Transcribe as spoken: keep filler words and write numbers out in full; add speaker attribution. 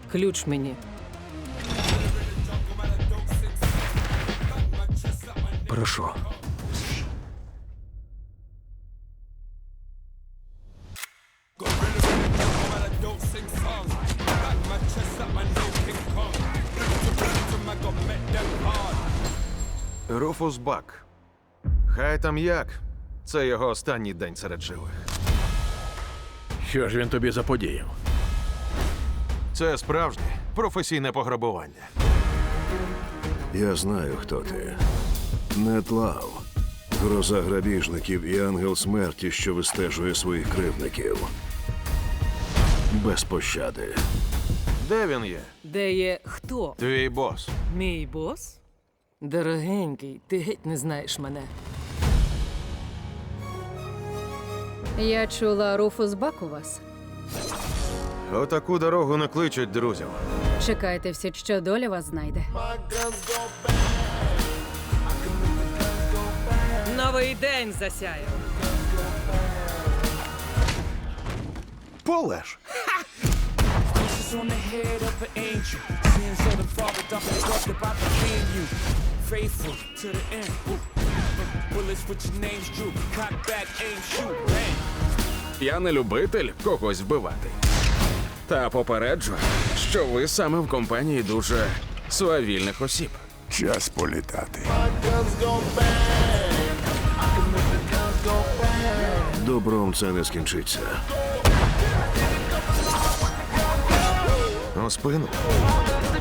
Speaker 1: Ключ мені.
Speaker 2: Прошу.
Speaker 3: Руфус Бак. Хай там як. Це його останній день серед живих.
Speaker 2: Що ж він тобі заподіяв?
Speaker 3: Це справжнє професійне пограбування.
Speaker 4: Я знаю, хто ти. Нед Лав. Гроза грабіжників і ангел смерті, що вистежує своїх кривдників. Без пощади.
Speaker 3: Де він є?
Speaker 1: Де є хто?
Speaker 3: Твій бос.
Speaker 1: Мій бос? Дорогенький, ти геть не знаєш мене.
Speaker 5: Я чула, Руфус Бак у вас.
Speaker 3: Отаку дорогу не кличуть друзів.
Speaker 5: Чекайте всі, що доля вас знайде.
Speaker 1: Новий день засяяв.
Speaker 3: Полеш!
Speaker 6: on the head of an angel. Sins of the father, dumping corrupted by the being you. Faithful to the end. Ooh. Bullets with your names drew. Cock back, aim, shoot. Bang.
Speaker 7: Я не любитель когось вбивати. Та попереджу, що ви саме в компанії дуже свавільних осіб.
Speaker 8: Час політати.
Speaker 4: Добром це не скінчиться.
Speaker 3: У спину.